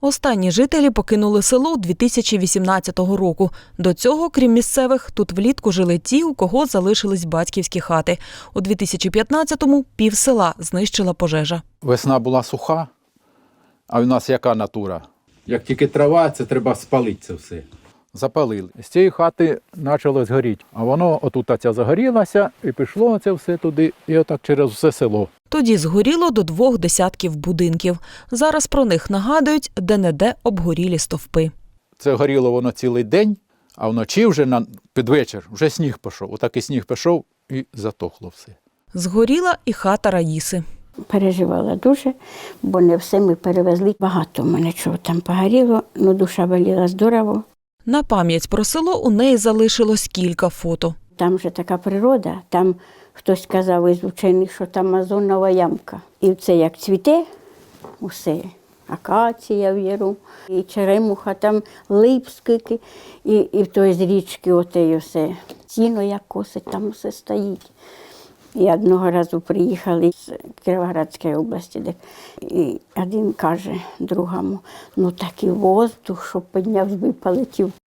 Останні жителі покинули село 2018 року. До цього, крім місцевих, тут влітку жили ті, у кого залишились батьківські хати. У 2015-му пів села знищила пожежа. Весна була суха, а в нас яка натура? Як тільки трава, це треба спалити це все. Запалили. З цієї хати почало згоріти, а воно отут ця загорілася і пішло це все туди, і отак через все село. Тоді згоріло до 2 десятків будинків. Зараз про них нагадують де-не-де обгорілі стовпи. Це горіло воно цілий день, а вночі вже під вечір вже сніг пішов. Отак і сніг пішов і затохло все. Згоріла і хата Раїси. Переживала дуже, бо не все ми перевезли. Багато в мене чого там погоріло, але душа боліла здорово. На пам'ять про село у неї залишилось кілька фото. Там же така природа, там хтось казав із вчених, що там озонова ямка. І це як цвіте усе, акація в яру, і черемуха, там лип скільки, і в той з річки оте все. Сіно як косить, там усе стоїть. І одного разу приїхали з Кіровоградської області, і один каже другому, ну такий воздух, що підняв, полетів.